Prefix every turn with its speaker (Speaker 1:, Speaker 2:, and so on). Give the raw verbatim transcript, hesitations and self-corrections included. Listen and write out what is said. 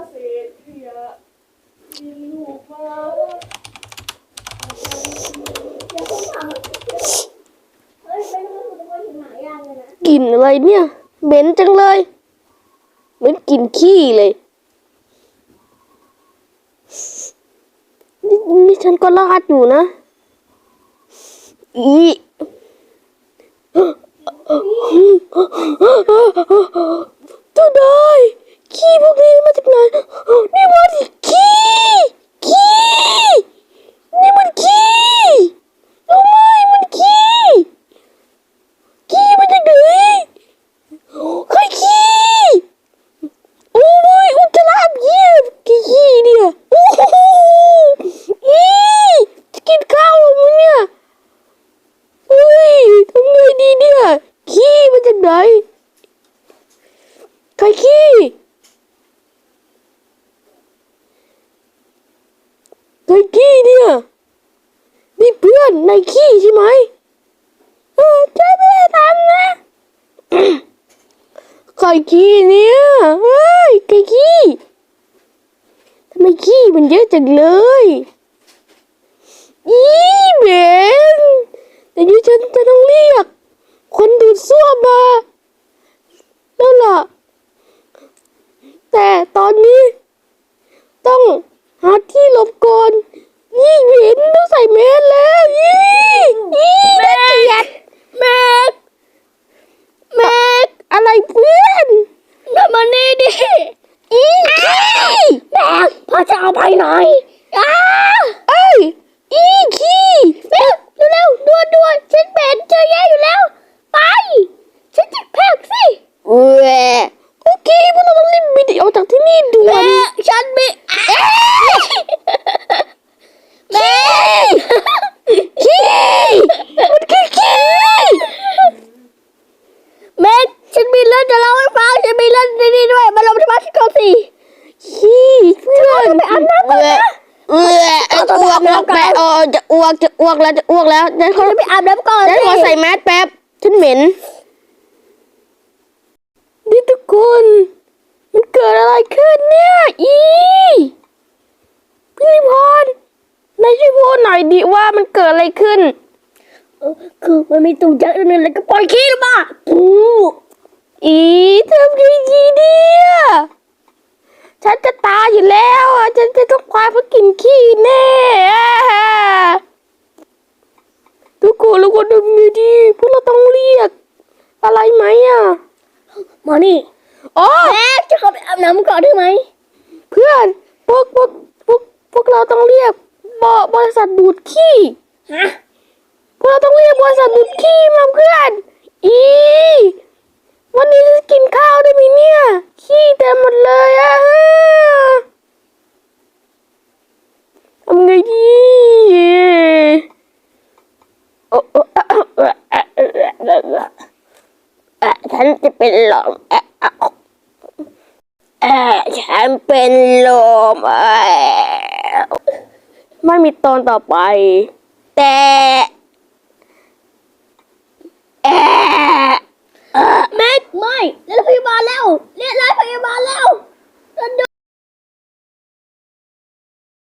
Speaker 1: เศษขยะกินลูกมา
Speaker 2: อย่าเพิ่งถามเฮ้ยเป็นคนตัวหินหายากเลยนะ
Speaker 3: กลิ่นอะไรเนี่ยเหม็นจังเลยเหมือนกลิ่นขี้เลยนี่นี่ฉันก็ลาดอยู่นะอีเจ้าได้ขี้พวกนี้มาจากไหนนี่มันขี้ขี้นี่มันขี้ทำไมมันขี้ขี้มาจากไหนใครขี้โอ้ยอุจจาระเยี่ยมกี่ขี้เนี่ยโอ้โหอีจะกินข้าวมั้ยเนี่ยเฮ้ยทำไงดีเนี่ยขี้มาจากไหนใครขี้ใครขี้เนี่ยนี่เพื่อนนายขี้ใช่ไหมเออใช่ไม่ได้ทำนะใครขี้เนี่ยเฮ้ยใครขี้ทำไมขี้มันเยอะจังเลยอีเบนแต่ยูฉันจะต้องเรียกคนดูดซ่วมมาแล้วล่ะแต่ตอนนี้ต้องหาที่หลบก่อนยี่เห็นต้องใส่แมสแล้วยี่ยี่แม่แม่แม่อะไรเพื่อนมานี่ดิอีแม่พ่อจะเอาไปหน่อยอ้าเอ้ยอีขี้เร็วเร็วด่วนด่วนฉันเป็นเจอแย่อยู่แล้วไปฉันจะแพกสิเว้ยโอเคพวกเราต้องรีบบินออกจากที่นี่ด่วนแม่ฉันมีแม่ขี้มันคือขี้แม่ฉันมีเรื่องจะเล่าให้ฟังฉันมีเรื่องดีๆด้วยมาลงที่บ้านฉันก่อนสิขี้เพื่อนไปอาบน้ำก่อนนะเอออ้วกแล้วแป๊บเออจะอ้วกจะอ้วกแล้วจะอ้วกแล้วฉันขอไปอาบน้ำก่อนฉันขอใส่แมสแป๊บฉันเหม็นนี่ทุกคนมันเกิดอะไรขึ้นเนี่ยอีพี่พรนายช่วยพูดหน่อยดิว่ามันเกิดอะไรขึ้น
Speaker 2: เออคือมันมีตุ่มยักษ์นึงแล้วก็ปล่อยขี้ลงมาปู
Speaker 3: อีทำยังไงดีอ่ะฉันจะตายอยู่แล้วอ่ะฉันจะต้องควายเพราะกินขี้แน่ทุกคนแล้วก็ทำยังไงดีพวกเราต้องเรียกอะไรไหมอ่ะ
Speaker 2: มานี่
Speaker 3: อ๋อ
Speaker 2: แม่จะเข้าไปอาบน้ำก่อนได้ไหม
Speaker 3: เพื่อนพวกพวกพวกพวกเราต้องเรียกบริษัทดูดขี้
Speaker 2: ฮะ
Speaker 3: พวกเราต้องเรียกบริษัทดูดขี้มาเพื่อนอีวันนี้จะกินข้าวได้ไหมเนี่ยขี้เต็มหมดเลยอะทำไงดีโอ้โอ้ฉันจะเป็นลมเออฉันเป็นลมเออไม่มีตอนต่อไปแต่เออ
Speaker 2: แม่ไม่เรียกพยาบาลแล้วเรียกรถพยาบาลแล้ว